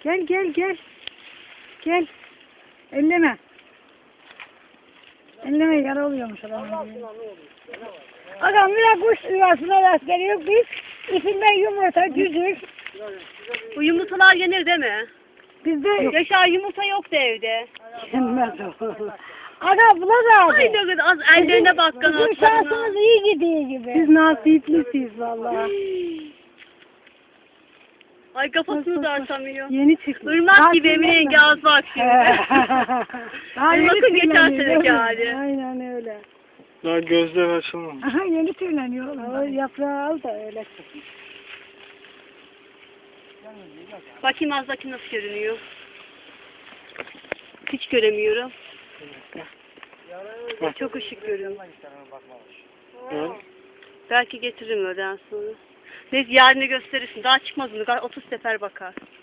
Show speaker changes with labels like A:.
A: Gel gel gel. Gel. Elleme. Elleme yara oluyormuş adamın. Adam bir kuş yuvasına rast geliyor. Biz içinden yumurta, cücük.
B: Bu yumurtalar yenir değil mi?
A: Bizde
B: Yaşar yumurta yoktu evde.
A: yenmez o. Aga bula da.
B: Ay ne kadar az ellerine bak
A: Bizim
B: kanatlarına.
A: şansımız iyi gidiyor gibi. Biz nasiplisiyiz valla.
B: Ay kafasını da açamıyor.
A: Yeni çıkmış.
B: Irmak gibi Emine yenge az bak şimdi.
A: Daha yeni
B: Irmak'ın geçen
A: tüyleniyor,
B: seneki
A: değil mi?
B: hali.
A: Aynen öyle.
C: Daha gözler açılmamış.
A: Aha yeni tüyleniyor oğlum. O yaprağı al da öyle çık.
B: Bakayım az bakayım nasıl görünüyor. Hiç göremiyorum. Çok ışık görüyorum.
C: Gel.
B: Belki getiririm öğleden sonra. Neyse yarını gösterirsin. Daha çıkmaz bunu. 30 sefer bakar.